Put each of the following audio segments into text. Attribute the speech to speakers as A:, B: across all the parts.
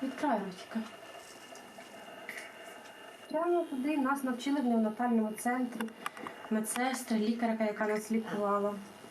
A: від краю ротика. Прямо туди нас навчили в неонатальному центрі. Медсестра, лікарка, яка нас лікувала.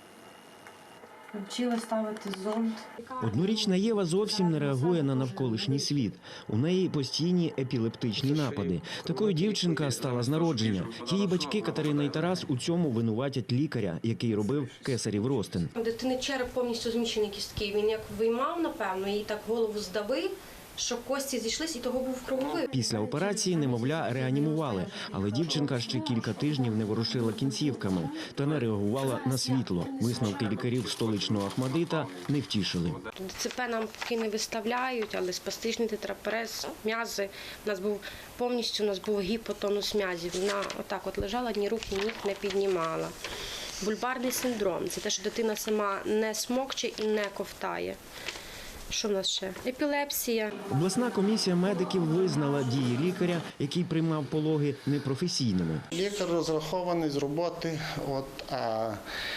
A: Навчили ставити зонд.
B: Однорічна Єва зовсім не реагує на навколишній світ. У неї постійні епілептичні напади. Такою дівчинка стала з народження. Її батьки Катерина і Тарас у цьому винуватять лікаря, який робив кесарів розтин.
A: У дитини череп повністю зміщений кістки. Він як виймав, напевно, їй так голову здавив, що кості зійшлись і того був круговий.
B: Після операції немовля реанімували, але дівчинка ще кілька тижнів не ворушила кінцівками та не реагувала на світло. Висновки лікарів столичного Ахмадита не втішили.
A: ДЦП нам поки не виставляють, але спастичний тетрапрез, м'язи. У нас був гіпотонус м'язів. Вона отак лежала, ні рук, ні ніг не піднімала. Бульбарний синдром – це те, що дитина сама не смокче і не ковтає. Що в нас ще? Епілепсія.
B: Обласна комісія медиків визнала дії лікаря, який приймав пологи, непрофесійними.
C: Лікар розрахований з роботи, а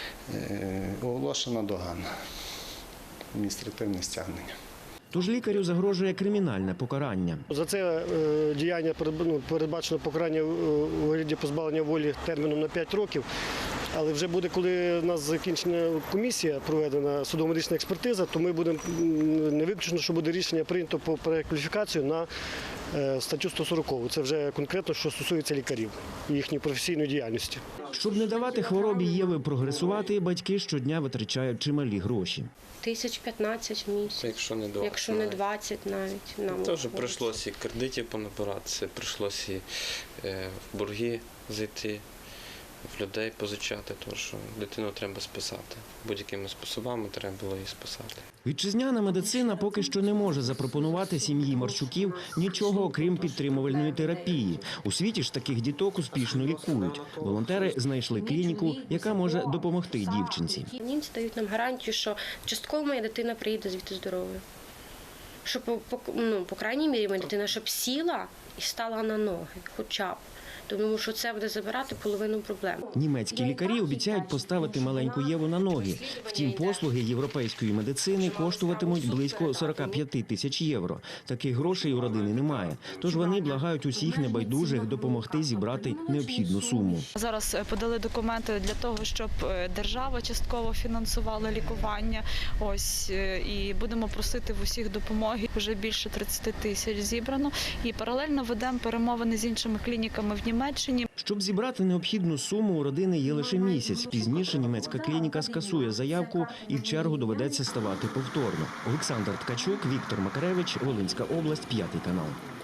C: оголошена догана, адміністративне стягнення.
B: Тож лікарю загрожує кримінальне покарання.
D: За це діяння передбачено покарання у вигляді позбавлення волі терміном на 5 років. Але вже буде, коли у нас закінчена комісія, проведена судово-медична експертиза, то ми будемо, не виключено, що буде рішення прийнято по перекваліфікацію на статтю 140. Це вже конкретно, що стосується лікарів і їхньої професійної діяльності.
B: Щоб не давати хворобі Єви прогресувати, батьки щодня витрачають чималі гроші.
A: 15 в місяць. Якщо не 20 навіть. Нам
E: теж прийшлося і кредитів понабиратися, прийшлося і в борги зайти, в людей позичати, тому що дитину треба спасати. Будь-якими способами треба було її спасати.
B: Вітчизняна медицина поки що не може запропонувати сім'ї Марчуків нічого, окрім підтримувальної терапії. У світі ж таких діток успішно лікують. Волонтери знайшли клініку, яка може допомогти дівчинці.
A: Німці дають нам гарантію, що частково моя дитина приїде звідти здоровою. Що, по крайній мірі, моя дитина щоб сіла і стала на ноги, хоча б. Тому що це буде забирати половину проблем.
B: Німецькі лікарі обіцяють поставити маленьку Єву на ноги. Втім, послуги європейської медицини коштуватимуть близько 45 тисяч євро. Таких грошей у родини немає. Тож вони благають усіх небайдужих допомогти зібрати необхідну суму.
F: Зараз подали документи для того, щоб держава частково фінансувала лікування. І будемо просити в усіх допомоги. Вже більше 30 тисяч зібрано. І паралельно ведемо перемовини з іншими клініками в Німеччині.
B: Щоб зібрати необхідну суму, у родини є лише місяць. Пізніше німецька клініка скасує заявку і в чергу доведеться ставати повторно. Олександр Ткачук, Віктор Макаревич, Волинська область, 5 канал.